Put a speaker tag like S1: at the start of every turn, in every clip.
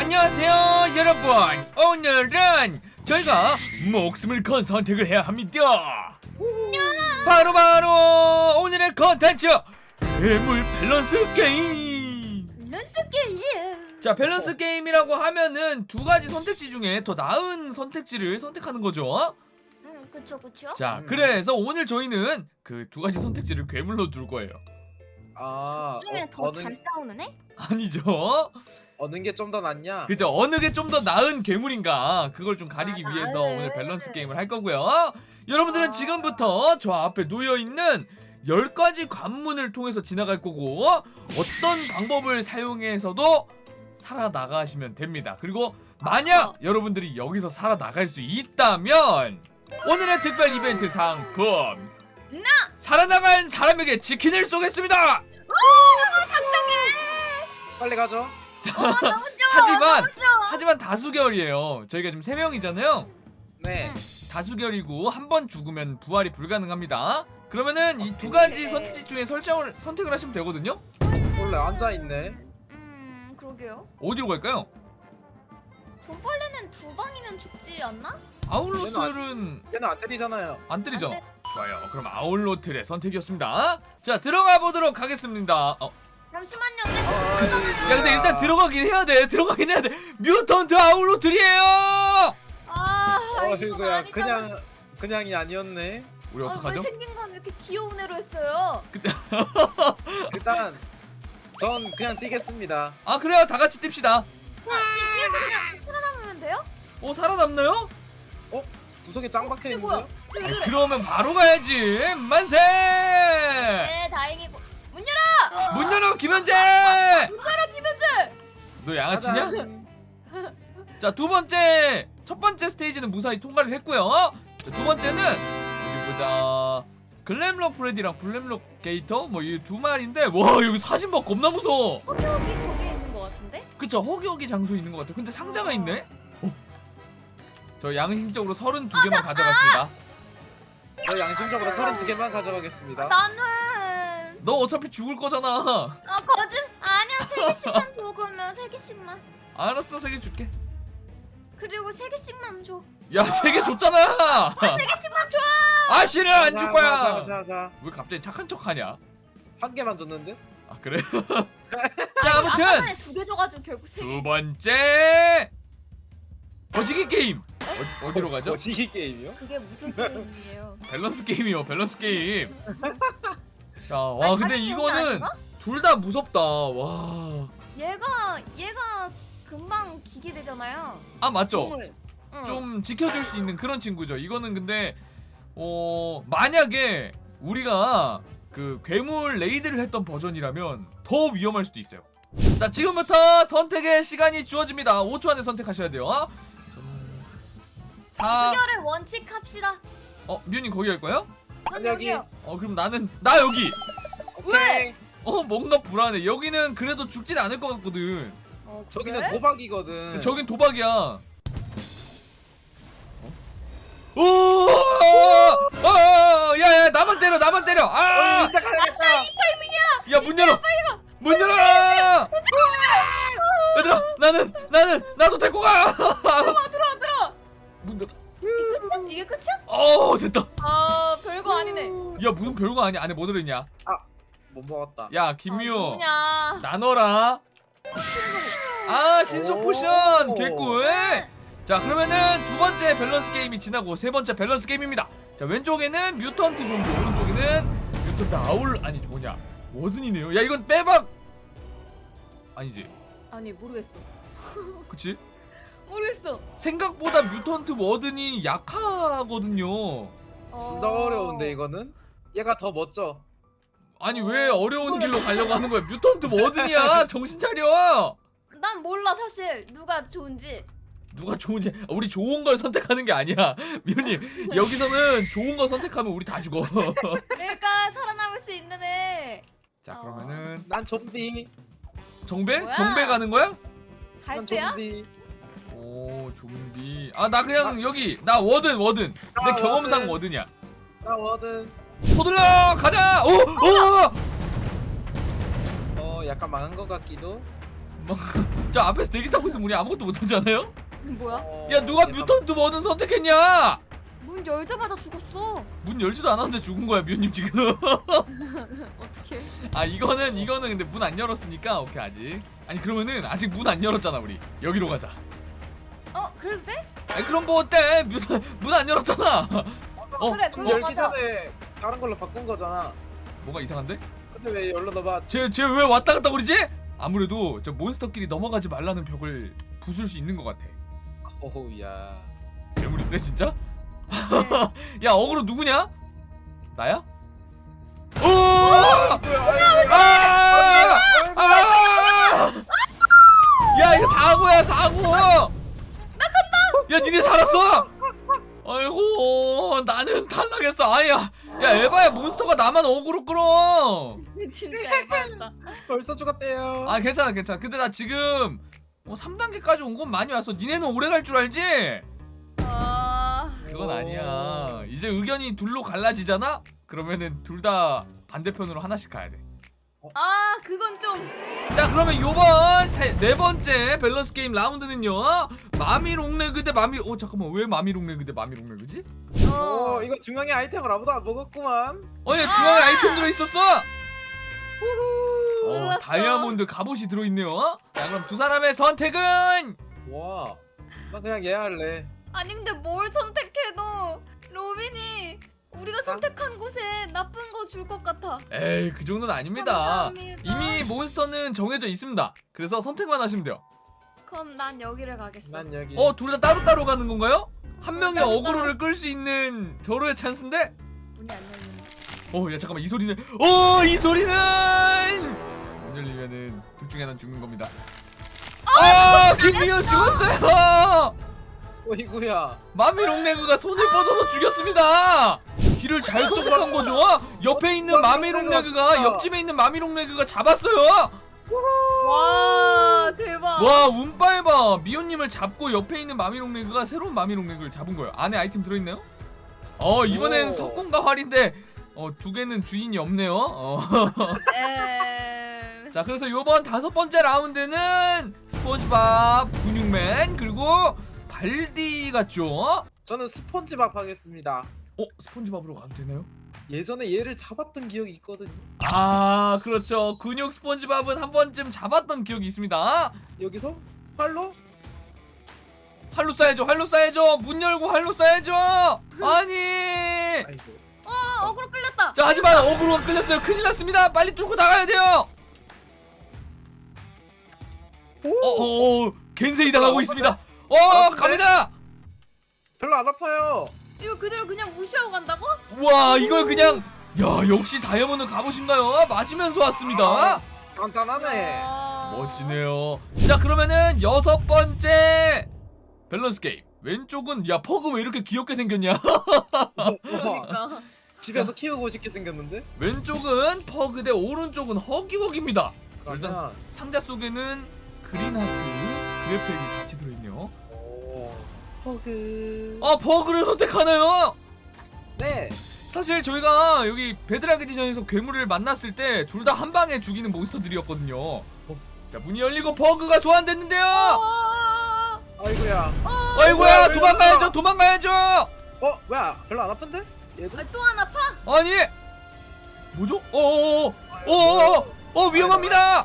S1: 안녕하세요 여러분. 오늘은 저희가 목숨을 건 선택을 해야 합니다. 바로 오늘의 컨텐츠 괴물 밸런스 게임. 자, 밸런스 게임이라고 하면은 두 가지 선택지 중에 더 나은 선택지를 선택하는 거죠.
S2: 그쵸.
S1: 자, 그래서 오늘 저희는 그 두 가지 선택지를 괴물로 둘 거예요.
S3: 아,
S2: 중에 더 잘 싸우는 애?
S1: 아니죠?
S3: 어느 게 좀 더 낫냐?
S1: 그죠? 어느 게 좀 더 나은 괴물인가 그걸 좀 가리기 위해서
S2: 나은.
S1: 오늘 밸런스 게임을 할 거고요. 여러분들은 지금부터 저 앞에 놓여있는 10가지 관문을 통해서 지나갈 거고 어떤 방법을 사용해서도 살아나가시면 됩니다. 그리고 만약 여러분들이 여기서 살아나갈 수 있다면 오늘의 특별 이벤트 상품 살아나간 사람에게 치킨을 쏘겠습니다.
S3: 빨리 가죠.
S1: 하지만 다수결이에요. 저희가 지금 3명이잖아요.
S3: 네.
S1: 다수결이고 한 번 죽으면 부활이 불가능합니다. 그러면은 이 두 가지 선택지 중에 선택을 하시면 되거든요.
S3: 원래 앉아 있네.
S2: 그러게요.
S1: 어디로 갈까요?
S2: 돈벌레는 두 방이면 죽지 않나?
S1: 아울로틀은
S3: 얘는 안 때리잖아요.
S1: 안 때리죠?
S2: 안 때-
S1: 좋아요. 그럼 아울로틀의 선택이었습니다. 자, 들어가 보도록 하겠습니다.
S2: 잠시만요.
S1: 야, 근데 일단 들어가긴 해야 돼. 뮤턴트 아울로틀이에요.
S2: 이건
S3: 어이구야,
S2: 아니잖아.
S3: 그냥이 아니었네.
S1: 우리 어떡하죠?
S2: 왜 생긴 건 이렇게 귀여운 애로 했어요?
S3: 일단 전 그냥 뛰겠습니다.
S1: 아, 그래요. 다 같이 뜁시다.
S2: 뒤에서 그냥 살아남으면 돼요?
S1: 살아남나요?
S3: 구석에 짱 박혀
S2: 뭐야?
S3: 있는데요?
S1: 아니, 그러면 바로 가야지. 만세!
S2: 네, 다행이고. 문 열어!
S1: 문 열어, 김현재!
S2: 문 열어, 김현재!
S1: 너 양아치냐?
S3: 짜잔.
S1: 자, 첫 번째 스테이지는 무사히 통과를 했고요. 자, 두 번째는 어디 보자. 글램록 프레디랑 블랙록 게이터 뭐 이 두 마리인데 와, 여기 사진 봐. 겁나 무서워.
S2: 거기 거기에 있는 것 같은데?
S1: 그쵸, 허기허기 장소에 있는 것 같아. 근데 상자가 있네. 저 양심적으로 32개만 가져갔습니다.
S3: 저 양심적으로 32개만 가져가겠습니다.
S2: 나는
S1: 너 어차피 죽을 거잖아.
S2: 거짓 아니야. 3개씩만 줘. 그러면 3개씩만.
S1: 알았어, 3개 줄게.
S2: 그리고 3개씩만 줘.
S1: 야, 3개 줬잖아.
S2: 3개씩만 줘.
S1: 아, 싫어, 안 줄 거야.
S3: 자.
S1: 왜 갑자기 착한 척하냐?
S3: 한 개만 줬는데?
S1: 아, 그래? 자, 아무튼
S2: 아까 전에 2개 줘가지고 결국 3개.
S1: 두 번째 거시기 게임. 어디로 가죠?
S3: 거시기 게임이요?
S2: 그게 무슨 게임이에요?
S1: 밸런스 게임이요. 밸런스 게임. 자, 와,
S2: 아니,
S1: 근데
S2: 다른
S1: 이거는
S2: 게임이 아닌가?
S1: 둘 다 무섭다. 와.
S2: 얘가 금방 기계 되잖아요.
S1: 아, 맞죠?
S2: 공을. 응.
S1: 좀 지켜줄 수 있는 그런 친구죠. 이거는 근데 만약에 우리가 그 괴물 레이드를 했던 버전이라면 더 위험할 수도 있어요. 자, 지금부터 선택의 시간이 주어집니다. 5초 안에 선택하셔야 돼요. 4.
S2: 수결의 원칙 합시다.
S1: 뮤님 거기 갈 거예요?
S2: 전
S3: 여기.
S2: 여기요.
S1: 그럼 나 여기.
S3: 오케이.
S1: 뭔가 불안해. 여기는 그래도 죽진 않을 것 같거든.
S3: 저기는
S2: 그래?
S3: 도박이거든.
S1: 저긴 도박이야. 오! 야, 나만 때려. 아!
S3: 이따 가야겠다.
S1: 야, 문 열어. 문 열어. 얘들아, 나도 데리고 가.
S2: 들어.
S1: 문 닫아.
S2: 이게 끝이야?
S1: 됐다.
S2: 별거 아니네.
S1: 야, 무슨 별거 아니야. 안에 뭐 들어있냐?
S3: 못 먹었다.
S1: 야, 김미호.
S2: 누구냐?
S1: 나눠라. 신속
S3: 오.
S1: 포션 개꿀. 자, 그러면은 두 번째 밸런스 게임이 지나고 세 번째 밸런스 게임입니다. 자, 왼쪽에는 뮤턴트 좀비, 오른쪽에는 뮤턴트 아니 뭐냐, 워든이네요. 야, 이건 빼박 아니지?
S2: 아니 모르겠어.
S1: 그치?
S2: 모르겠어.
S1: 생각보다 뮤턴트 워든이 약하거든요.
S3: 둘 다 어려운데 이거는? 얘가 더 멋져.
S1: 아니, 왜 어려운 길로 가려고 하는 거야? 뮤턴트 워든이야. 정신 차려.
S2: 난 몰라 사실 누가 좋은지.
S1: 누가 좋은지. 우리 좋은 걸 선택하는 게 아니야. 미호님, 여기서는 좋은 거 선택하면 우리 다 죽어.
S2: 내가 살아남을 수 있는 애.
S1: 자, 그러면은
S3: 난 좀비.
S1: 정배?
S2: 뭐야?
S1: 정배 가는 거야?
S2: 갈
S3: 난
S2: 때야?
S3: 좀비.
S1: 오, 좀비. 나 그냥 여기 나 워든. 내 경험상 워든이야.
S3: 나 워든.
S1: 서둘러 가자. 약간
S3: 약간 망한 것 같기도.
S1: 저 앞에서 대기 타고 있으면 우리 아무것도 못하지 않아요?
S2: 뭐야?
S1: 야 누가 뮤턴트 뭐든 선택했냐?
S2: 문 열자마자 죽었어.
S1: 문 열지도 않았는데 죽은 거야 미호님 지금.
S2: 어떻게?
S1: 아 이거는 근데 문 안 열었으니까 오케이 아직. 아니 그러면은 아직 문 안 열었잖아 우리. 여기로 가자.
S2: 그래도 돼?
S1: 아니 그럼 뭐 어때? 문 안 열었잖아.
S2: 그래,
S3: 문
S2: 그럼
S3: 열기
S2: 가자.
S3: 전에 다른 걸로 바꾼 거잖아.
S1: 뭐가 이상한데?
S3: 근데 왜 열로 넣어봐?
S1: 쟤 왜 왔다 갔다 그러지? 아무래도 저 몬스터끼리 넘어가지 말라는 벽을 부술 수 있는 것 같아.
S3: 오우야.
S1: 괴물인데 진짜? 야 어그로 누구냐? 나야? 오! 아! 야 이거 사고야 사고! 나 간다! 야 니네 살았어? 아이고 나는 탈락했어. 아야 야 에바야 몬스터가 나만 어그로 끌어.
S2: 진짜 에바였다.
S3: 벌써 죽었대요.
S1: 아 괜찮아 근데 나 지금 3단계까지 온 건 많이 왔어. 니네는 오래 갈 줄 알지? 그건 아니야. 이제 의견이 둘로 갈라지잖아? 그러면은 둘 다 반대편으로 하나씩 가야 돼.
S2: 그건 좀.
S1: 자 그러면 요번 네 번째 밸런스 게임 라운드는요 마미롱레그 대 잠깐만 왜 마미롱레그 대 마미롱레그지?
S3: 이거 중앙에 아이템을 아무도 안 먹었구만.
S1: 얘 중앙에 아이템 들어있었어?
S2: 몰랐어.
S1: 다이아몬드 갑옷이 들어있네요. 자 그럼 두 사람의 선택은?
S3: 와. 나 그냥 얘 할래.
S2: 아니 근데 뭘 선택해도 로빈이 우리가 선택한 곳에 나쁜 거 줄 것 같아.
S1: 에이 그 정도는 아닙니다.
S2: 감사합니다.
S1: 이미 몬스터는 정해져 있습니다. 그래서 선택만 하시면 돼요.
S2: 그럼 난 여기를 가겠어.
S3: 난 여기.
S1: 둘 다 따로따로 가는 건가요? 한 명이
S2: 따로따로.
S1: 어그로를 끌 수 있는 절호의 찬스인데?
S2: 문이 안 열리네.
S1: 야 잠깐만 이 소리는 이 소리는 안 열리면은 둘 중에 하나 죽는 겁니다. 김미연 죽었어요.
S3: 어이구야.
S1: 마미롱레그가 손을 뻗어서 죽였습니다. 길을 잘 선택한 거죠. 옆에 있는 마미롱레그가 옆집에 있는 마미롱레그가 잡았어요.
S2: 와 대박.
S1: 와 운빨 봐. 미호님을 잡고 옆에 있는 마미롱레그가 새로운 마미롱레그를 잡은 거예요. 안에 아이템 들어있나요? 이번엔
S3: 오.
S1: 석궁과 활인데 두 개는 주인이 없네요. 자 그래서 요번 5번째 라운드는 스폰지밥, 근육맨 그리고 발디 같죠?
S3: 저는 스폰지밥 하겠습니다.
S1: 스폰지밥으로 가도 되나요?
S3: 예전에 얘를 잡았던 기억이 있거든요.
S1: 그렇죠. 근육 스폰지밥은 한 번쯤 잡았던 기억이 있습니다.
S3: 여기서 활로?
S1: 활로 쏴야죠. 문 열고 활로 쏴야죠. 아니.
S3: 아이고.
S2: 어그로 끌렸다.
S1: 자 하지만 어그로가 끌렸어요. 큰일 났습니다. 빨리 뚫고 나가야 돼요. 겐세이 당하고 있습니다. 갑니다.
S3: 별로 안 아파요.
S2: 이거 그대로 그냥 무시하고 간다고?
S1: 와 이걸 그냥 역시 다이아몬드 갑오신가요? 맞으면서 왔습니다.
S3: 간단하네.
S1: 멋지네요. 자 그러면은 6번째 밸런스 게임. 왼쪽은 퍼그 왜 이렇게 귀엽게 생겼냐?
S2: 그러니까.
S3: 집에서 키우고 싶게 생겼는데?
S1: 왼쪽은 퍼그 대 오른쪽은 허기허기입니다. 일단
S3: 그러면
S1: 상자 속에는 그린 하트 그래픽이 같이 들어있네요.
S3: 허그.
S1: 버그를 선택하나요?
S3: 네.
S1: 사실 저희가 여기 베드락 에디션에서 괴물을 만났을 때 둘 다 한 방에 죽이는 몬스터들이었거든요. 자 문이 열리고 버그가 소환됐는데요.
S3: 아이고야.
S1: 아이고야
S3: 왜
S1: 도망가야죠.
S3: 뭐야? 별로 안 아픈데? 얘도?
S2: 또 안 아파?
S1: 아니 뭐죠? 위험합니다.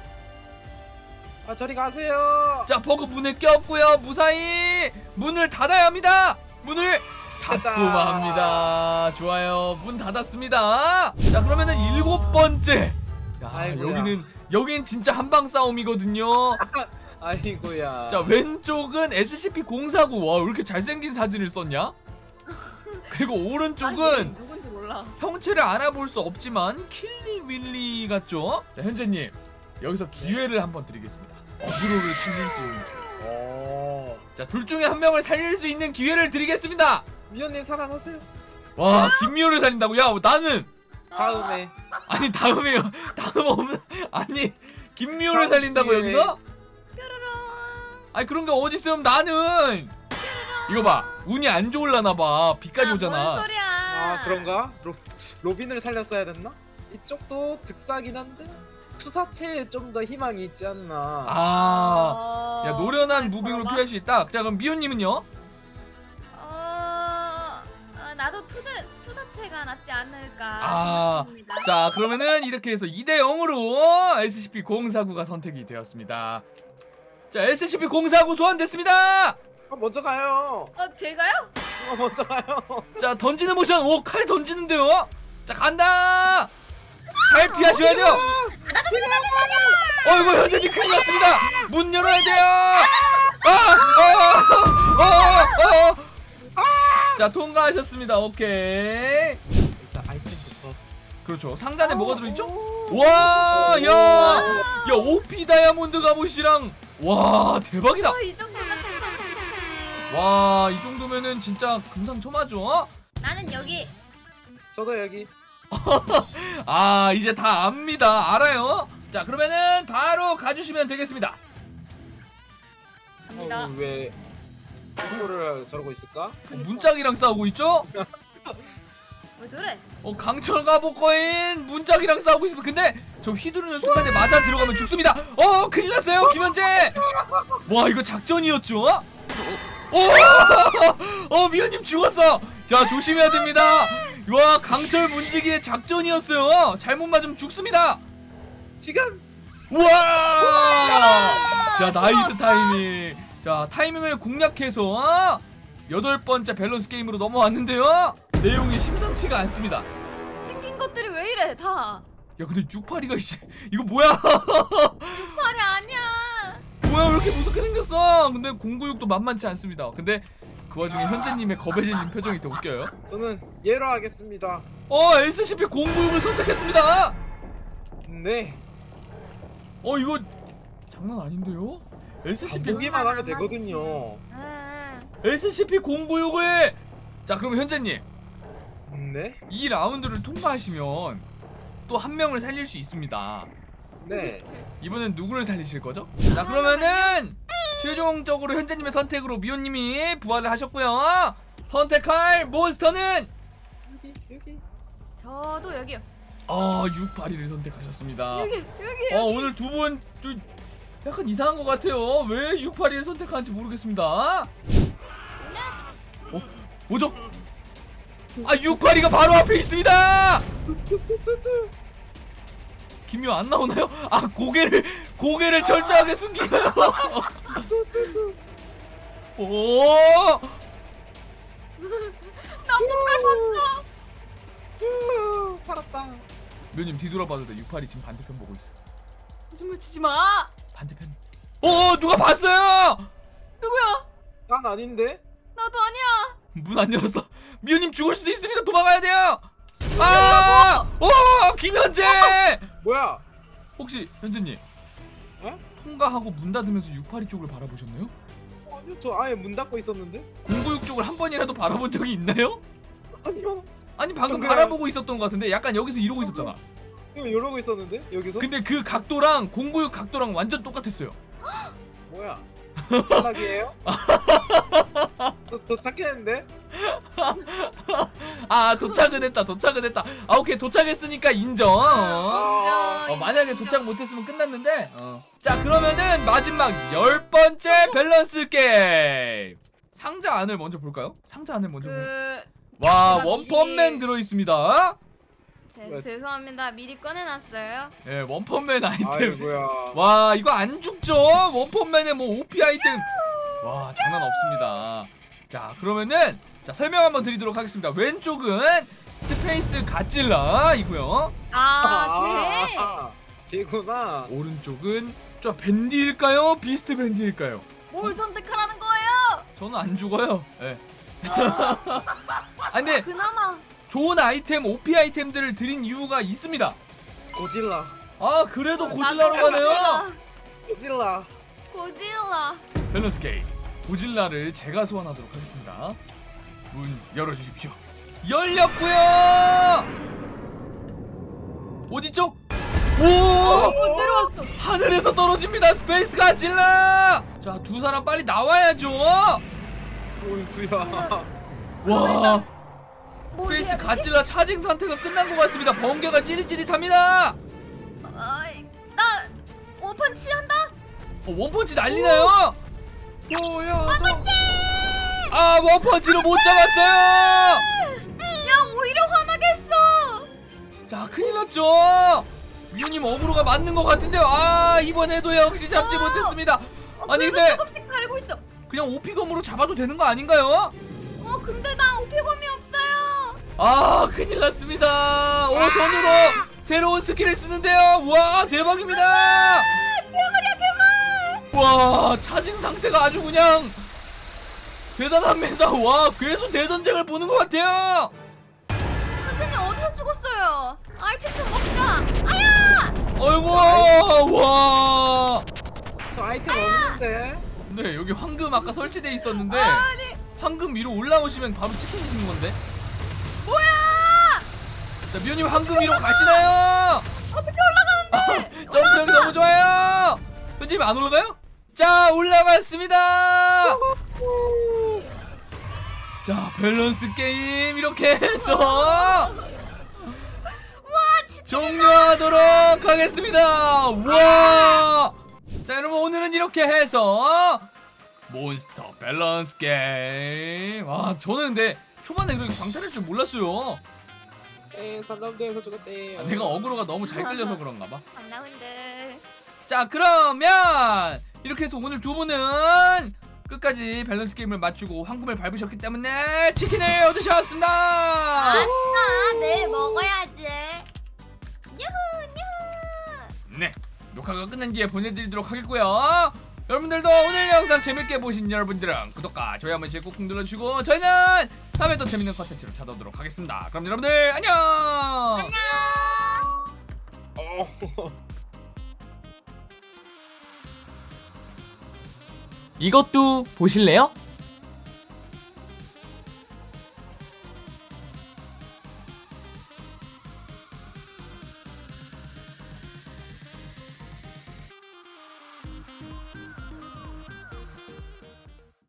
S3: 저리 가세요.
S1: 자 버그 문에 껴없고요. 무사히 문을 닫아야 합니다. 문을 닫고 맙니다. 좋아요. 문 닫았습니다. 자 그러면은 7번째.
S3: 아이고야.
S1: 여긴 진짜 한방 싸움이거든요.
S3: 아이고야.
S1: 자 왼쪽은 SCP-049. 와 왜 이렇게 잘생긴 사진을 썼냐? 그리고 오른쪽은
S2: 아니, 누군지 몰라.
S1: 형체를 알아볼 수 없지만 킬리 윌리 같죠? 자 현재님 여기서 기회를 한번 드리겠습니다. 어그로를 살릴 수 있는 기회. 자 둘 중에 한 명을 살릴 수 있는 기회를 드리겠습니다.
S3: 미연님 살아나세요.
S1: 와 김미호를 살린다고? 야 나는
S3: 다음에.
S1: 아니 다음에요. 다음 없는 아니 김미호를
S3: 다음
S1: 살린다고
S3: 기회에.
S1: 여기서?
S2: 뾰로롱.
S1: 아니 그런 게 어디 있으면 나는 이거 봐 운이 안 좋을라나봐. 비까지 오잖아.
S2: 뭔 소리야?
S3: 그런가? 로빈을 살렸어야 됐나? 이쪽도 즉사긴 한데. 투사체에 좀 더 희망이 있지 않나.
S1: 야 노련한 무빙으로 피할 수 있다. 자 그럼 미호님은요?
S2: 나도 투자체가 낫지 않을까
S1: 아,
S2: 생각합니다.
S1: 자 그러면은 이렇게 해서 2대 0으로 SCP-049가 선택이 되었습니다. 자 SCP-049 소환됐습니다.
S3: 먼저 가요.
S2: 제가요?
S3: 먼저 가요.
S1: 자 던지는 모션. 오 칼 던지는데요. 자 간다. 잘 피하셔야 돼요. 이거 현재님 큰일 났습니다. 문 열어야 돼요. 자 통과하셨습니다. 오케이.
S3: 일단 아이템부터.
S1: 그렇죠. 상단에 뭐가 들어있죠?
S2: 오.
S1: 와, 야, OP 다이아몬드 갑옷이랑 와 대박이다.
S2: 이 정도면 상관없지.
S1: 와, 이 정도면은 진짜 금상첨화죠.
S2: 나는 여기.
S3: 저도 여기.
S1: 아, 이제 다 압니다. 알아요. 자, 그러면은 바로 가주시면 되겠습니다.
S2: 갑니다.
S3: 왜 이거를 저러고 있을까?
S1: 문짝이랑 싸우고 있죠?
S2: 왜 저래?
S1: 강철 갑옷 거인 문짝이랑 싸우고 있으면 근데 저 휘두르는 순간에 맞아 들어가면 죽습니다. 큰일 났어요, 김현재. 와, 이거 작전이었죠? 미연님 죽었어. 자, 조심해야 됩니다. 와, 강철 문지기의 작전이었어요. 잘못 맞으면 죽습니다.
S3: 지금.
S1: 우와! 자, 나이스 타이밍. 자, 타이밍을 공략해서 8번째 밸런스 게임으로 넘어왔는데요. 내용이 심상치가 않습니다.
S2: 생긴 것들이 왜 이래 다.
S1: 야, 근데 682가 이거 뭐야?
S2: 육팔이 아니야.
S1: 뭐야, 왜 이렇게 무섭게 생겼어? 근데 096도 만만치 않습니다. 근데 그 와중에 현재님의 겁해지는 표정이 더 웃겨요.
S3: 저는 얘로 하겠습니다.
S1: SCP-096을 선택했습니다.
S3: 네.
S1: 이거 장난 아닌데요?
S3: 보기만 하면 되거든요.
S1: SCP-096을 자, 그럼 현재님
S3: 네.
S1: 이 라운드를 통과하시면 또 한 명을 살릴 수 있습니다.
S3: 네.
S1: 이번엔 누구를 살리실 거죠? 자, 그러면은 최종적으로 현재님의 선택으로 미호님이 부활을 하셨고요. 선택할 몬스터는
S3: 여기.
S2: 저도 여기요.
S1: 682를 선택하셨습니다.
S2: 여기.
S1: 오늘 두 분 좀 약간 이상한 것 같아요. 왜 682를 선택하는지 모르겠습니다. 뭐죠? 682가 바로 앞에 있습니다. 김효 안 나오나요? 고개를 철저하게 숨기나요? 오!
S2: 나쁜 걸 봤어.
S3: 살았다.
S1: 묘님 뒤돌아봐도 돼. 682 지금 반대편 보고 있어.
S2: 거짓말 치지 마.
S1: 반대편. 누가 봤어요?
S2: 누구야?
S3: 난 아닌데.
S2: 나도 아니야.
S1: 문 안 열었어. 미호님 죽을 수도 있으니까 도망가야 돼요. 김현재.
S3: 뭐야?
S1: 혹시 현재님
S3: 에?
S1: 통과하고 문 닫으면서 682 쪽을 바라보셨나요?
S3: 아니요, 저 아예 문 닫고 있었는데.
S1: 096 쪽을 한 번이라도 바라본 적이 있나요?
S3: 아니요.
S1: 아니 방금
S3: 저 그냥-
S1: 바라보고 있었던 것 같은데 약간 여기서 이러고 있었잖아.
S3: 이거 이러고 있었는데 여기서.
S1: 근데 그 각도랑 096 각도랑 완전 똑같았어요.
S3: 뭐야? 탈락이에요? 도착했는데?
S1: 도착은 했다. 오케이, 도착했으니까 인정. 만약에 도착 못했으면 끝났는데. 자, 그러면은 마지막 10번째 밸런스 게임. 상자 안을 먼저 볼까요? 상자 안을 먼저 볼까요? 와, 원펀맨 들어있습니다.
S2: 죄송합니다. 미리 꺼내놨어요.
S1: 예, 원펀맨 아이템.
S3: 아이고야.
S1: 와, 이거 안 죽죠? 원펀맨의 뭐 OP 아이템. 와, 장난 없습니다. 자, 그러면은 설명 한번 드리도록 하겠습니다. 왼쪽은 스페이스 가찔라이고요.
S3: 걔구나.
S1: 오른쪽은 저 밴디일까요? 비스트 밴디일까요?
S2: 뭘 선택하라는 거예요?
S1: 저는 안 죽어요. 예. 근데
S2: 그나마
S1: 좋은 아이템, OP 아이템들을 드린 이유가 있습니다.
S3: 고질라.
S1: 그래도 고질라로 가네요.
S2: 고질라.
S1: 밸런스 게임. 고질라를 제가 소환하도록 하겠습니다. 문 열어주십시오. 열렸고요. 어디죠?
S2: 내려왔어.
S1: 하늘에서 떨어집니다. 스페이스 가질라. 자, 두 사람 빨리 나와야죠.
S3: 어이구야.
S1: 와, 스페이스 가질라 차징 상태가 끝난 것 같습니다. 번개가 찌릿찌릿합니다.
S2: 원펀치 한다.
S1: 원펀치 난리나요?
S3: 보여줘.
S1: 아 원펀치로 못 잡았어요.
S2: 야 오히려 화나겠어.
S1: 자 큰일 났죠. 미호님 어그로가 맞는 것 같은데요. 아 이번에도 역시 잡지 못했습니다. 아니
S2: 그래도
S1: 근데
S2: 조금씩 갈고 있어.
S1: 그냥 오피검으로 잡아도 되는 거 아닌가요?
S2: 근데 나 오피검이 없어요.
S1: 아 큰일 났습니다. 손으로 새로운 스킬을 쓰는데요. 와 대박입니다.
S2: 괴물이야 괴물.
S1: 와 차징 상태가 아주 그냥 대단합니다. 와 괴수 대전쟁을 보는 것 같아요.
S2: 선생님 어디서 죽었어요? 아이템 좀 먹자. 아야!
S1: 아이고 와.
S3: 저 아이템 없는데.
S1: 네 여기 황금 아까 설치돼 있었는데
S2: 아니
S1: 황금 위로 올라오시면 바로 치킨이신 건데.
S2: 뭐야?
S1: 자 미호님 황금 위로 가시나요?
S2: 어떻게 올라가는데?
S1: 점프력이 너무 좋아요. 현진님 안 올라가요? 자 올라갔습니다. 자 밸런스 게임 이렇게 해서 종료하도록 하겠습니다. 와. 자 여러분 오늘은 이렇게 해서 몬스터 밸런스 게임. 아 저는 근데 초반에 그렇게 방탈할 줄 몰랐어요.
S3: 삼남대에서 죽었대.
S1: 아, 내가 어그로가 너무 잘 끌려서 그런가 봐.
S2: 안 나온데.
S1: 자 그러면 이렇게 해서 오늘 두 분은 끝까지 밸런스 게임을 맞추고 황금을 밟으셨기 때문에 치킨을 얻으셨습니다.
S2: 아싸 내일 먹어야지. 유후 유후.
S1: 네 녹화가 끝난 뒤에 보내드리도록 하겠고요. 여러분들도 오늘 영상 재밌게 보신 여러분들은 구독과 좋아요 한 번씩 꾹꾹 눌러주시고 저희는 다음에 또 재밌는 컨텐츠로 찾아오도록 하겠습니다. 그럼 여러분들 안녕.
S2: 안녕.
S1: 이것도 보실래요?